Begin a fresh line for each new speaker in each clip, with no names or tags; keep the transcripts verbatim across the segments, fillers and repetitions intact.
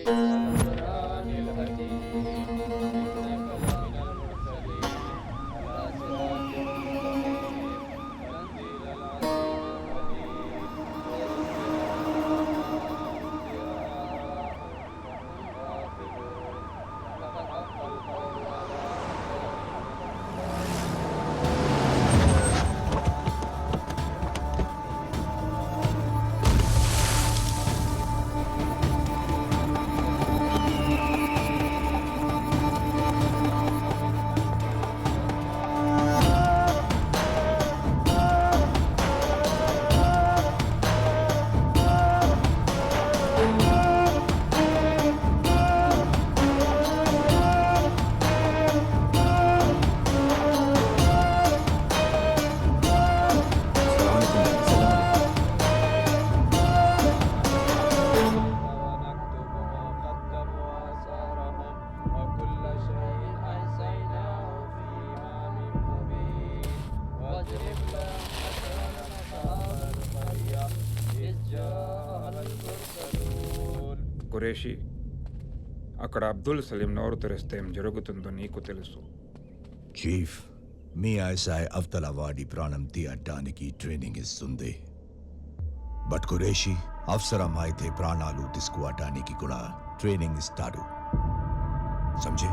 ఖురేషీ, అక్కడ అబ్దుల్ సలీం నోరు తెరిస్తే ఏం జరుగుతుందో నీకు తెలుసు.
చీఫ్, మీ ఐఎస్ఐ అవతలవాడి ప్రాణం తీయటానికి ట్రైనింగ్ ఇస్తుంది. బట్ ఖురేషీ అవసరమైతే ప్రాణాలు తీసుకోవటానికి కూడా ట్రైనింగ్ ఇస్తాడు. समझे?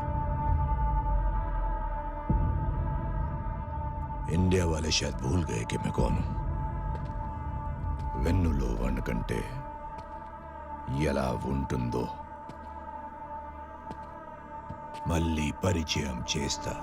इंडिया वाले शायद भूल गए कि मैं कौन हूं. వెన్నులో వణకంటే ఎలా ఉంటుందో మళ్ళీ పరిచయం చేస్తా.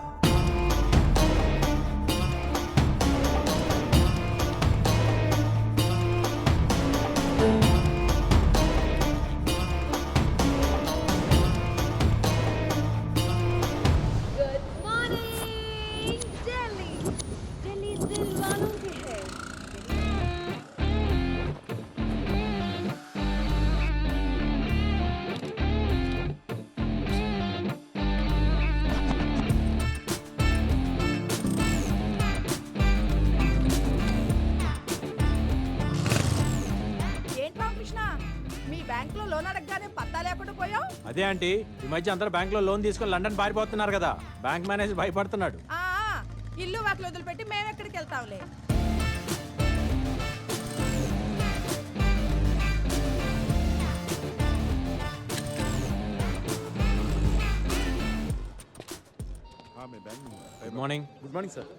అదే ఆంటీ, ఈ మధ్య అందరూ బ్యాంక్ లో లోన్ తీసుకొని లండన్ పారిపోతున్నారు కదా, బ్యాంక్ మేనేజర్ భయపడుతున్నాడు.
ఇల్లు వాకిలు వదిలిపెట్టి మేము ఎక్కడికి వెళ్తాంలే.
Good morning. Good morning sir.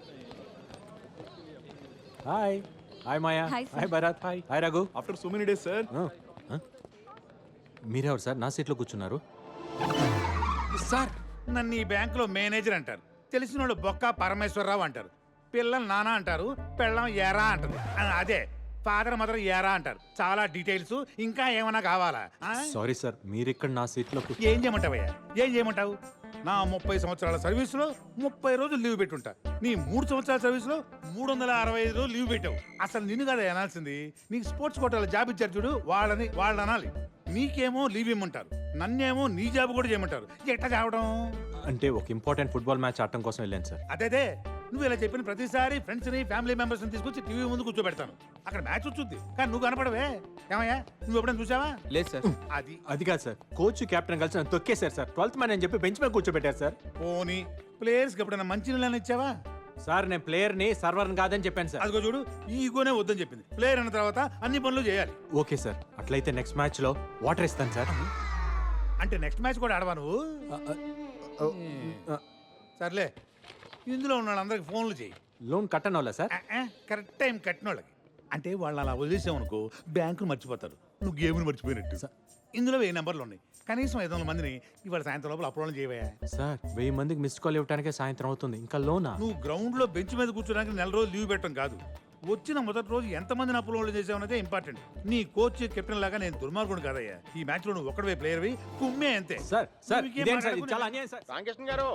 Hi. Hi Maya. Hi Bharat. Hi. Hi Raghu.
After so many days sir.
మీరెవరు సార్ నా సీట్లో కూర్చున్నారు?
సార్, నన్ను ఈ బ్యాంకులో మేనేజర్ అంటారు. తెలిసిన వాళ్ళు బొక్క పరమేశ్వరరావు అంటారు. పిల్లలు నానా అంటారు, పెళ్ళం ఏరా అంటారు. అదే ఫాదర్ మదర్ ఏరా అంటారు. చాలా డీటెయిల్స్ ఇంకా ఏమైనా కావాలా?
సారీ సార్, మీరు ఇక్కడ నా సీట్లో
ఏం చేయమంటావయ్యా? ఏం చేయమంటావు? నా ముప్పై సంవత్సరాల సర్వీసులో ముప్పై రోజులు లీవ్ పెట్టుంటా. నీ మూడు సంవత్సరాల సర్వీసులో మూడు వందల అరవై ఐదు రోజులు లీవ్ పెట్టావు. అసలు నిన్ను కదా అనాల్సింది. నీకు స్పోర్ట్స్ కోటాలో జాబ్ ఇచ్చారు చూడు, వాళ్ళని వాళ్ళు అనాలి. నీకేమో లీవ్ ఇమ్మంటారు, నన్నేమో నీ జాబ్ కూడా చేయమంటారు. ఎట్లా చావడం?
అంటే ఒక ఇంపార్టెంట్ ఫుట్బాల్ మ్యాచ్ ఆడటం కోసం వెళ్ళాను సార్.
అదే నువ్వు ఇలా చెప్పిన ప్రతిసారి ఫ్రెండ్స్ ని ఫ్యామిలీ మెంబర్స్ ని తీసుకొచ్చి టీవీ ముందు కూర్చోబెడతాను. అక్కడ మ్యాచ్ వచ్చుద్ది కానీ నువ్వు కనపడవే. ఏమయ్యా, నువ్వు ఎప్పుడైనా చూసావా?
లేదు సార్. అది అది కాదు సార్, కోచ్ కెప్టెన్ కలిసి నన్ను తొక్కేశారు సార్. ట్వెల్త్ మ్యాన్ అని చెప్పి బెంచ్ మీద కూర్చోబెట్టారు సార్.
పోనీ ప్లేయర్స్ కి ఎప్పుడైనా మంచి నీళ్ళని ఇచ్చావా?
సార్, నేను ప్లేయర్ ని సర్వర్ కాదని చెప్పాను సార్.
అదిగో చూడు, ఈ ఈగోనే వద్దని చెప్పింది. ప్లేయర్ అన్న తర్వాత అన్ని పనులు చేయాలి.
ఓకే సార్, అట్లయితే నెక్స్ట్ మ్యాచ్ లో వాటర్ ఇస్తాను సార్.
అంటే నెక్స్ట్ మ్యాచ్ కూడా ఆడవా నువ్వు? సర్లే, ఇందులో ఉన్న వాళ్ళందరికి ఫోన్లు చేయి.
లోన్ కట్టను వాళ్ళ సార్?
కరెక్ట్ టైం కట్టిన వాళ్ళకి. అంటే వాళ్ళు అలా వదిలేసామనుకో బ్యాంకులు మర్చిపోతారు, నువ్వు గేమ్ని మర్చిపోయినట్టు. ఇందులో వెయ్యి నెంబర్లు ఉన్నాయి. కనీసం ఐదు వందల మందిని ఇవాళ సాయంత్రం లోపల అప్రోల్ చేయవా?
సార్, వెయ్యి మందికి మిస్ కాల్ ఇవ్వడానికే సాయంత్రం అవుతుంది, ఇంకా లోనా?
నువ్వు గ్రౌండ్ లో బెంచ్ మీద కూర్చోడానికి నెల రోజులు లీవ్ పెట్టడం కాదు, వచ్చిన మొదటి రోజు ఎంతమందిని అప్రోల్ చేసావనేదే ఇంపార్టెంట్. నీ కోచ్ కెప్టెన్ లాగా నేను దుర్మార్గుడు కాదయ్యా. ఈ మ్యాచ్ లో నువ్వు ఒక్కడే ప్లేయర్వి, కుమ్మే అంతే.
సార్ సార్ ఇదేం సార్, ఇది చాలా అన్యాయం సార్.
రామకృష్ణ గారు,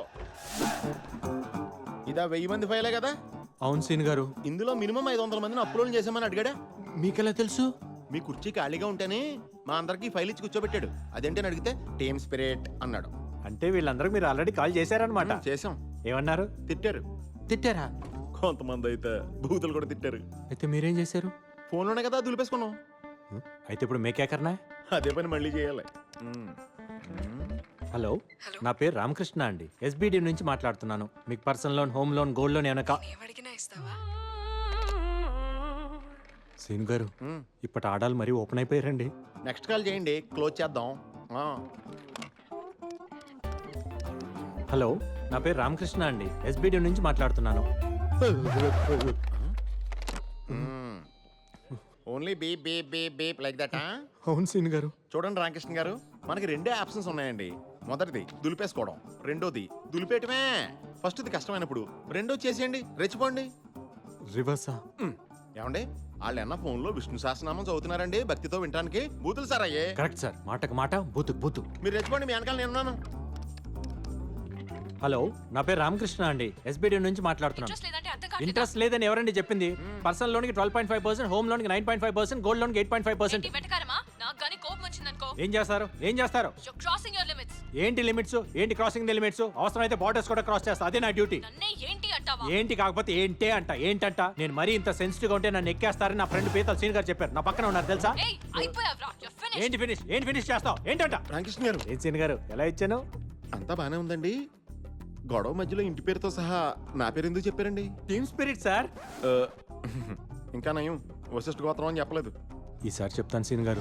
ఇదా వెయ్యి మంది ఫైలే కదా?
అవును సీన్ గారు.
ఇందులో మినిమం ఐదు వందల మందిని అప్లోడ్ చేసామని అడిగాడా?
మీకెలా తెలుసు?
మీ కుర్చీ ఖాళీగా ఉంటేనే మా అందరికి ఫైల్ ఇచ్చి కూర్చోబెట్టాడు. అదేంటని అడిగితే టీమ్ స్పిరిట్ అన్నాడు.
అంటే వీళ్ళందరూ మీరు ఆల్రెడీ కాల్ చేశారనమాట?
చేసాం.
ఏమన్నారు?
తిట్టారు.
తిట్టారా?
కొంతమంది అయితే బూతులు కూడా తిట్టారు.
అయితే మీరేం చేశారు?
ఫోన్లోనే కదా దులిపేసుకున్నాం.
అయితే ఇప్పుడు మేకేకర్నా?
అదే పని మళ్ళీ చేయాలి.
హలో నా పేరు రామకృష్ణ అండి ఎస్బిడి నుంచి మాట్లాడుతున్నాను. మీకు personal loan, home loan, gold loan ఏమైనా కా-
ఏమడిగినా ఇస్తావా?
సీన్ గారు ఇప్పటి ఆడాలు మరీ ఓపెన్ అయిపోయారండి.
నెక్స్ట్ కాల్ చేయండి, క్లోజ్ చేద్దాం. ఆ,
హలో నా పేరు రామకృష్ణ అండి ఎస్బిడి నుంచి మాట్లాడుతున్నాను.
Only beep beep beep beep like that.
అవును సీన్ గారు.
చూడండి రామకృష్ణ గారు, మనకి రెండే ఆప్షన్స్ ఉన్నాయండి. మొదటిది దులిపేసుకోవడం, రెండోది దులిపేయటమే. ఫస్ట్ది కష్టమైనప్పుడు రెండోది చేసేయండి, రెచ్చిపోండి.
రివర్సా?
మ్, ఏమండి వాళ్ళు ఎన్న ఫోన్లో విష్ణు సహస్రనామం చదువుతున్నారండి భక్తితో వినడానికి. బూతులు సార్ అయ్యే.
కరెక్ట్ సార్, మాటకు మాట, బూతుకు బూతు.
మీరు రెచ్చిపోండి, మీ వెనకాల నేనున్నాను.
హలో నా పేరు రామకృష్ణ అండి ఎస్బిడి నుంచి మాట్లాడుతున్నాను.
ఇంట్రెస్ట్ లేదంటే అర్థం కాదు.
ఇంట్రెస్ట్ లేదని ఎవరండి చెప్పింది? పర్సనల్ లోన్ కి twelve point five percent, home loan కి nine point five percent, gold loan కి ఎయిట్ పాయింట్ ఫైవ్ పర్సెంట్.
వెటకారమా? నాకు గానీ కోపం వచ్చిందనుకో.
ఏం చేస్తారు? ఏం చేస్తారు?
You crossing your limits.
ఏంటి లిమిట్స్? ఏంటి క్రాసింగ్ ది లిమిట్స్? అవసరం అయితే బార్డర్స్ కూడా క్రాస్ చేస్తా, అదే నా డ్యూటీ.
నన్నే ఏంటి అంటావా?
ఏంటి కాకపోతే ఏంటే అంట. ఏంటంట? నేను మరీ ఇంత సెన్సిటివ్ గా ఉంటే నన్ను ఎక్కేస్తారని నా ఫ్రెండ్ పీతల్ సీన్ గారు చెప్పారు. నా పక్కన ఉన్నారు తెలుసా?
ఏయ్ అయిపోయావ్రా. You finish.
ఏంటి ఫినిష్? ఏంటి ఫినిష్ చేస్తావు? ఏంటంట?
రామకృష్ణ గారు,
ఏం సీన్ గారు ఎలా ఇచ్చాను?
అంతా బానే ఉందండి. గొడవ మధ్యలో ఇంటి పేరుతో సహా నా పేరు ఎందుకు చెప్పారండి?
Team spirit sir.
ఆ, ఇంకా నయం వశిష్ఠ గోత్రం అని చెప్పలేదు.
ఈసారి చెప్తాను సీన్ గారు.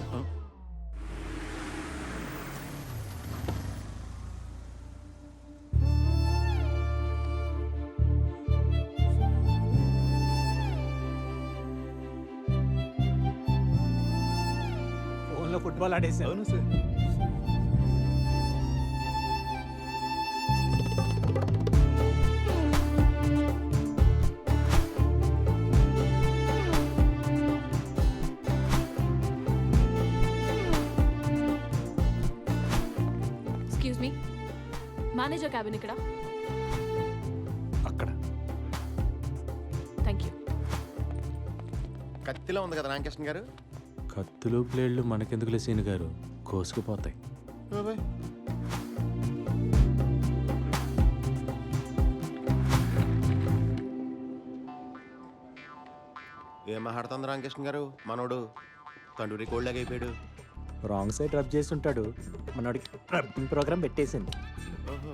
ఫోన్లో ఫుట్బాల్ ఆడేసాను.
అవును sir.
Excuse me, manager cabin ఇక్కడ.
అక్కడ
థ్యాంక్ యూ.
కత్తిలో ఉంది కదా రామకృష్ణ గారు.
కత్తులు బ్లేడ్లు మనకెందుకులే సీన్ గారు, కోసుకుపోతాయి.
బాబాయ్. ఏం మాట్లాడుతుంది రామకృష్ణ గారు? మనోడు తండూరి కోళ్ళగా అయిపోయాడు.
రాంగ్ సైడ్ రబ్ చేసి ఉంటాడు. మనోడికి రబ్బింగ్ ప్రోగ్రామ్ పెట్టేసింది.
ఓహో.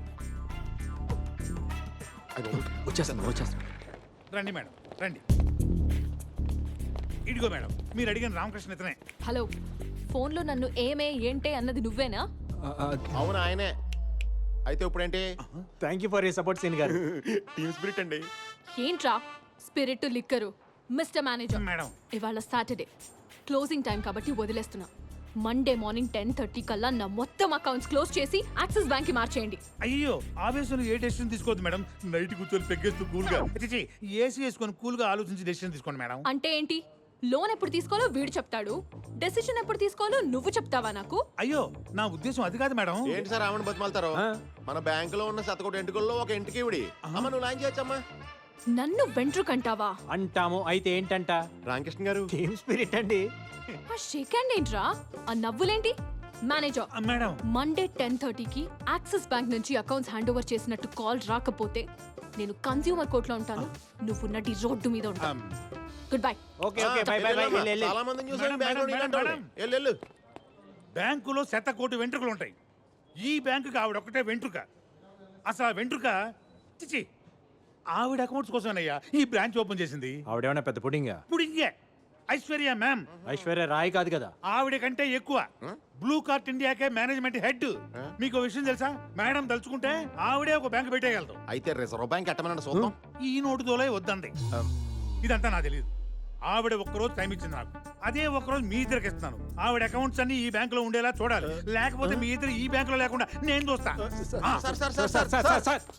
వచ్చేస్తాను వచ్చేస్తాను.
రండి మేడం, రండి. ఇదిగో మేడం, మీరు అడిగిన రామకృష్ణ ఇతనే.
హలో, ఫోన్లో నన్ను ఏమే ఏంటే అన్నది నువ్వేనా?
అవును ఆయనే. అయితే ఇప్పుడేంటి?
Thank you for you support సీన్ గారు.
టీమ్ స్పిరిట్ అండి.
ఏంట్రా spirit liquor? Mister manager,
madam,
ఇవాళ సాటర్డే క్లోజింగ్ టైం కాబట్టి వదిలేస్తున్నా. మండే మార్నింగ్ టెన్ థర్టీ కల్లా నా మొత్తం అకౌంట్స్ క్లోజ్ చేసి యాక్సిస్ బ్యాంక్ కి మార్చేయండి.
అయ్యో ఆవేశంలో ఏ డెసిషన్ తీసుకోవద్దు మేడం. నైట్ కూర్చొని పెగ్గేస్తూ కూల్ గా ఏసీ వేసుకొని కూల్ గా ఆలోచించి డెసిషన్ తీసుకోండి మేడం.
అంటే ఏంటి? లోన్ ఎప్పుడు తీసుకోవాలో వీడు చెప్తాడు, డెసిషన్ ఎప్పుడు తీసుకోవాలో నువ్వు చెప్తావా నాకు?
అయ్యో నా ఉద్దేశం అది కాదు మేడం.
ఏంటి సార్ ఆమెను బతిమాలతారు?
ఆ?
మన బ్యాంకులో ఉన్న శతకోటి ఎంటుకల్లో ఒక ఇంటికి ఇవిడి. అమ్మ నువ్వు లాంచ్ చేయొచ్చమ్మా.
నన్ను వెంట్రుకంటావా?
అంటాము. అయితే ఏంటంట?
రామకృష్ణ గారు,
టీమ్ స్పిరిట్ అండి.
ఆ షేక్ హ్యాండ్ ఏంట్రా? ఆ నవ్వులేంటి? మేనేజర్,
ఆ, మేడం
మండే టెన్ థర్టీకి యాక్సిస్ బ్యాంక్ నుంచి అకౌంట్స్ హ్యాండ్ ఓవర్ చేసినట్టు కాల్ రాకపోతే నేను కన్స్యూమర్ కోర్టులో ఉంటాను, నువ్వు నటి రోడ్డు మీద ఉంటాను. Good bye.
Okay okay bye bye bye.
చాలా మందిని చూసాను
మేడం,
బ్యాంకులో
మేడం,
నీలాంటి వాళ్ళని.
మేడం.
వెళ్ళు, వెళ్ళు.
బ్యాంకులో శత కోటి వెంట్రుకలు ఉంటాయి. ఈ బ్యాంకుకి ఆవిడ ఒక్కటే వెంట్రుక. అసలు ఆ వెంట్రుక చిచి ఆవిడ అకౌంట్స్ కోసమేనయ్యా ఈ బ్రాంచ్ ఓపెన్ చేసింది.
ఆవిడేమన్నా పెద్ద పుడింగా?
ఇప్పుడు ఇంకే ఐశ్వర్య మ్యామ్
ఐశ్వర్య రాయ్ కాదు కదా?
ఆవిడ కంటే ఎక్కువ. బ్లూ కార్ట్ ఇండియాకే మేనేజ్మెంట్ హెడ్. మీకు ఓ విషయం తెలుసా? మేడం తలుచుకుంటే ఆవిడే ఒక బ్యాంక్ పెట్టేయగలదు.
అయితే రిజర్వ్ బ్యాంక్ ఎట్టమనండి చూద్దాం.
ఈ నోటు తోలే వద్దంది. ఇదంతా నాకు తెలియదు. ఆవిడ ఒక్కరోజు టైం ఇచ్చింది నాకు. అదే ఒక్కరోజు మీ ఇద్దరికి ఇస్తున్నాను. ఆవిడ అకౌంట్స్ అన్ని ఈ బ్యాంక్ లో ఉండేలా చూడాలి. లేకపోతే మీ ఇద్దరు ఈ బ్యాంక్ లో లేకుండా నేను చూస్తా. ఆ,
sir sir sir
sir sir sir sir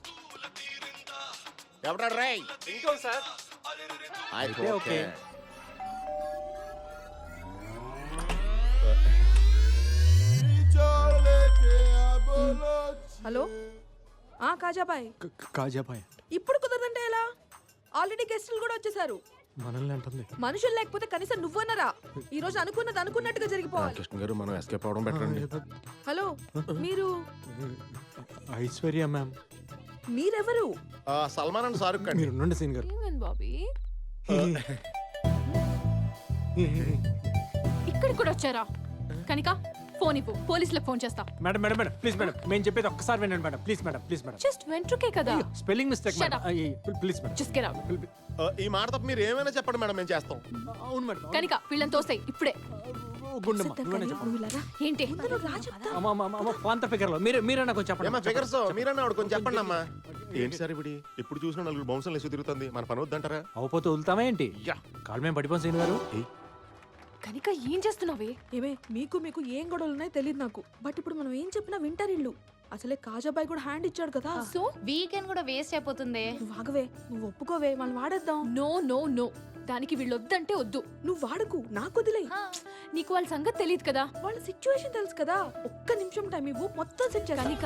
ఎవడా రై?
ఇంకో సార్.
అయితే
ఓకే.
ఓకే.
హలో ఆ కాజాబాయ్,
కాజాబాయ్
ఇప్పుడు కుదరదంటే ఎలా? ఆల్రెడీ గెస్టులు కూడా వచ్చేసారు.
మనల్ని అంటుంది.
మనుషులు లేకపోతే కనీసం నువ్వన్నరా? ఈ రోజు అనుకున్నది అనుకున్నట్టుగా జరిగిపోవాలి.
కృష్ణ గారు మనం ఎస్కేప్ అవడం బెటర్ అండి.
హలో, మీరు
ఐశ్వర్య మ్యామ్.
మీరెవరు?
ఆ, సల్మాన్ అండ్ షారుఖ్ అండి.
మీరు ఉండండి సీన్ గారు.
ఏమన్ బాబీ, ఇక్కడికి కూడా వచ్చారా? కనిక ఫోన్ ఇవ్వు పోలీసులకు ఫోన్ చేస్తా.
Madam madam madam please madam మేము చెప్పేది ఒక్కసారి వినండి madam please madam please madam
just వెంట్రుకే కదా.
Spelling mistake
Shut
madam
up.
Please madam
just get out.
ఆ, ఈ మాట తప్ప మీరు ఏమైనా చెప్పండి మేడం మేము చేస్తాం.
అవును మేడం
కనిక వీళ్ళని తోస్తాయి ఇప్పుడే.
గుండమ్మ నువ్వేనా చెప్పండి.
నువ్వు ఇలా రా.
ఏంటి
ముందు రా చెప్తా.
అమ్మ అమ్మ అమ్మ పాంత ఫిగర్ లో మీరు మీరైనా కొంచెం
ఏమా
చెప్పండి.
ఫిగర్స్ మీరన్నా ఆవిడ కొంచెం చెప్పండి అమ్మా. ఏంటి సార్ ఇప్పుడు ఎప్పుడు చూసినా నలుగురు బౌన్సర్లు వేసి తిరుగుతుంది, మన పని వద్దంటారా?
అవపోతే వదులుతామా ఏంటి?
యా.
కాలు మేము పడిపోం సీన్ గారు.
కనిక ఏం చేస్తున్నావే?
ఏమే మీకు మీకు ఏం గొడవలు ఉన్నాయో తెలియదు నాకు, బట్ ఇప్పుడు మనం ఏం చెప్పినా వింటారు ఇల్లు. అసలే కాజాబాయ్ కూడా హ్యాండ్ ఇచ్చాడు కదా.
సో
వీకెండ్ కూడా వేస్ట్ అయిపోతుంది.
నువ్వు ఆగవే, నువ్వు ఒప్పుకోవే, మనం వాడేద్దాం.
నో నో నో దానికి వీళ్ళు వద్దంటే వద్దు.
నువ్వు వాడుకు, నాకు వదిలే.
నీకు వాళ్ళ సంగతి తెలియదు కదా.
వాళ్ళ సిచ్యువేషన్ తెలుసు కదా. ఒక్క నిమిషం టైం ఇవ్వు, మొత్తం సెట్ చేస్తా.
కనిక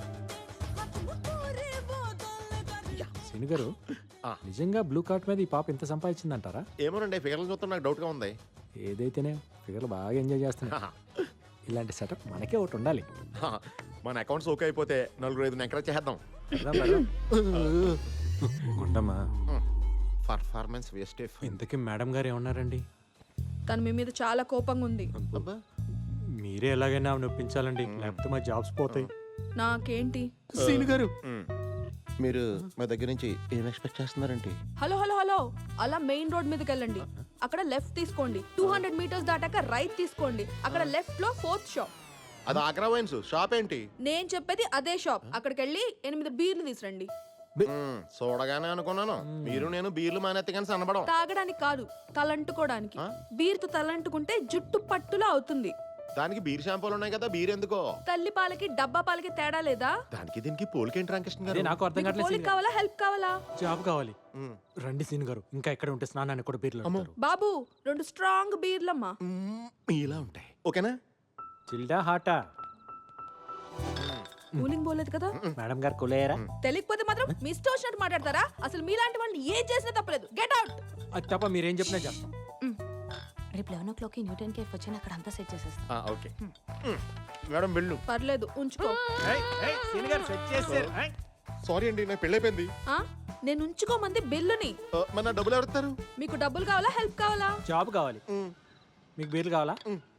సీన్ గారు
ఆ.
నిజంగా బ్లూ కార్ట్ మీద ఈ పాప ఎంత సంపాదించిందంటారా?
ఏమోనండి ఫిగర్లు చూస్తే నాకు డౌట్ గా ఉంది.
ఏదైతేనే ఫిగర్లు బాగా ఎంజాయ్ చేస్తున్నా. ఇలాంటి సెటప్ మనకే ఒకటి ఉండాలి.
హా, మన అకౌంట్స్ ఓకే అయిపోతే నలుగురు ఐదు ఎంకరేజ్ చేద్దాం.
పెడదాం, పెడదాం. గుండమ్మా
పర్ఫార్మెన్స్ వేస్ట్.
ఇంతకీ మేడం గారు ఏమన్నారండి?
తను మీ మీద చాలా కోపంగా ఉంది.
మీరే ఎలాగైనా ఆమెను ఒప్పించాలండి, లేకపోతే మా జాబ్స్ పోతాయి.
నాకేంటి?
సీన్ గారు
మీరు మా దగ్గర నుంచి ఏం ఎక్స్పెక్ట్ చేస్తున్నారంటే?
హలో హలో హలో అలా మెయిన్ రోడ్ మీదకి వెళ్ళండి. అక్కడ లెఫ్ట్ తీసుకోండి. టూ హండ్రెడ్ మీటర్స్ దాటాక రైట్ తీసుకోండి. అక్కడ లెఫ్ట్ లో ఫోర్త్ షాప్.
అది ఆగ్రా వైన్స్ షాప్ ఏంటి?
నేను చెప్పేది అదే షాప్. అక్కడికి వెళ్ళి ఎనిమిది బీర్లు తీసురండి.
మ్మ్, చూడగానే అనుకున్నాను మీరు నేను బీర్లు మానేత్తే కానీ సన్నబడం.
తాగడానికి కాదు, తలంటుకోవడానికి. బీర్తో తలంటుకుంటే జుట్టు పట్టులా అవుతుంది.
దానికి బీర్ షాంపూలు ఉన్నాయి కదా, బీర్ ఎందుకో?
తల్లి పాలకి డబ్బా పాలకి తేడా లేదా?
దానికి దీనికి పోలికేంటి రామకృష్ణ
అదే
గారు?
నాకు అర్థం
మీకు
కావట్లేదు
పోలిక
సీన్ గారు.
కావాలా, హెల్ప్ కావాలా?
జాబ్ కావాలి.
మ్మ్.
రండి సీన్ గారు, ఇంకా ఎక్కడ ఉంటే స్నానానికి కూడా బీర్లు అమ్ముతారు.
బాబు రెండు స్ట్రాంగ్ బీర్లమ్మా.
మ్మ్, ఇలా ఉంటాయి ఓకేనా?
చిల్డా హాటా?
కూలింగ్ పోలేదు కదా.
మేడం గారు కొలేయరా?
తెలియకపోతే మాత్రం మీ ఇష్టం వచ్చినట్టు మాట్లాడతారా? అసలు మీలాంటి వాళ్ళని ఏం చేసినా తప్పలేదు. Get out.
అది తప్ప మీరేం చెప్పినా చేస్తాం.
రేపు eleven o'clock Newton cafe వచ్చి అక్కడ అంతా సెట్ చేసేస్తాం.
ఆ, ఓకే మ్మ్. మేడం వెళ్ళు.
పర్లేదు ఉంచుకో.
సారీ అండి నాకు పెళ్ళైపోయింది.
ఆ? నేను ఉంచుకోమంది బిల్లుని.
ఆ, మరి నా డబ్బులు ఎవరు ఇస్తారు?
మీకు డబ్బులు కావాలా, హెల్ప్ కావాలా?
జాబ్ కావాలి. మీకు బీర్లు కావాలా?
మ్మ్.